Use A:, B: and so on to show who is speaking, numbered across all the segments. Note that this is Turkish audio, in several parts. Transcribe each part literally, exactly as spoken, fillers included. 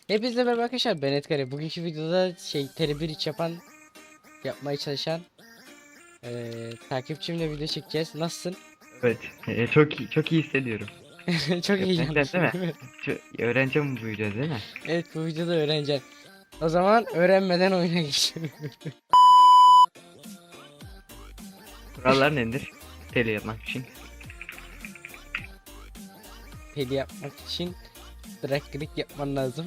A: Hepinize merhaba arkadaşlar, ben Edgar. Bugünkü videoda şey tele iç yapan yapmaya çalışan eee takipçimle video çekeceğiz. Nasılsın?
B: Evet, e, çok iyi, çok iyi hissediyorum.
A: Çok
B: Öğreneceğim değil
A: heyecanlısın
B: mi?
A: değil mi?
B: Ço- öğreneceğim bu videoda değil mi?
A: Evet, bu videoda öğreneceğim. O zaman öğrenmeden oyuna geçelim.
B: Kurallar nedir? Tele yapmak için.
A: Peli yapmak için drag click yapman lazım.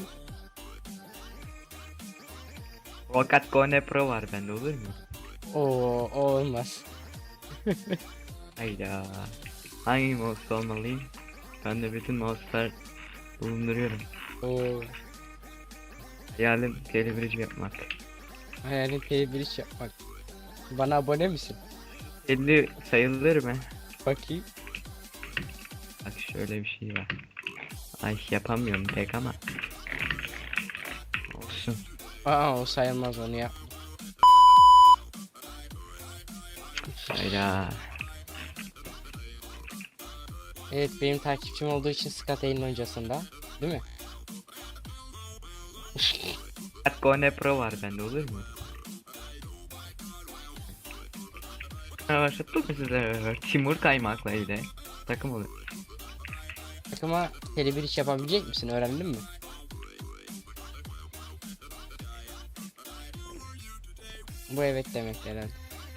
B: Fakat Gone Pro var bende, olur mu?
A: Oo, o olmaz.
B: Hayda. Hangi mouse olmalıyım? Ben de bütün mouse'lar bulunduruyorum.
A: Oo,
B: Hayalim telebirici yapmak.
A: hayalin peli iç yapmak. Bana abone misin?
B: elli sayılır mı?
A: Bakayım.
B: Bak şöyle bir şey var. Ay yapamıyorum pek ama. Olsun.
A: Aa, o sayılmaz, onu yap.
B: Hayda.
A: Evet, benim takipçim olduğu için Scott Alien öncesinde. Değil mi?
B: Fakat Gone Pro var bende, olur mu? Başlattık mı sizler? Timur Kaymak'la ile takım olur.
A: Takıma tele bir iş yapabilecek misin? Öğrendin mi? Bu evet demek herhalde.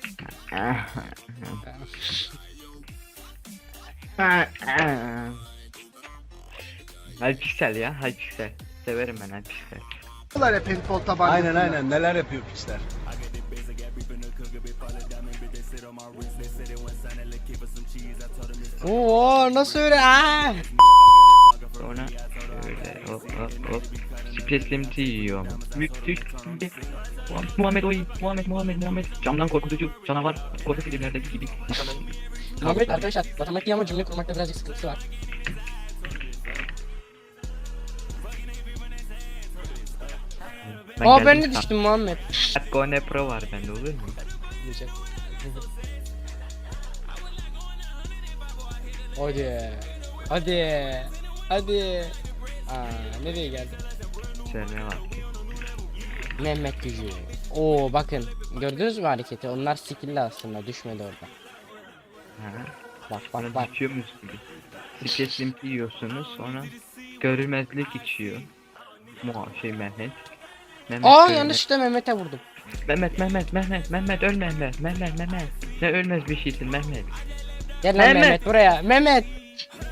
B: Hypixel ya, Hypixel. Severim ben Hypixel.
C: Yapıyorlar hep handball tabancasıyla.
D: Aynen aynen neler yapıyor piçler.
A: Oo, nasıl öyle? Aa!
B: Sonra şöyle hop hop hop. Speslimti yiyor. Müthiş. Muhammed oy. Muhammed Muhammed Muhammed. Camdan korkutucu canavar. Korku filmlerdeki gibi.
A: Muhammed arkadaşlar, matematik ama cümle kurmakta birazcık sıkıntısı var. Aa, ben de düştüm Muhammed.
B: Gone Pro var bende, olur mu?
A: Diyecek. Hadi. Hadi. Hadi. Aa, nereye geldi?
B: Şöyle bak.
A: Mehmet gücü. Oo, bakın. Gördünüz mü hareketi? Onlar skill'li aslında. Düşmedi orada.
B: Ha.
A: Bak
B: Bana
A: bak bak.
B: düşüyormuş gibi. Speslimti yiyorsunuz, sonra görülmezlik içiyor. Muha şey Mehmet. Mehmet
A: Aa,
B: görünmez-
A: yanlışlıkla Mehmet'e vurdum.
B: Mehmet Mehmet Mehmet Mehmet ölme Mehmet Mehmet Mehmet. Ne ölmez bir şeysin Mehmet.
A: Gel lan
B: Mehmet.
A: Mehmet buraya. Mehmet.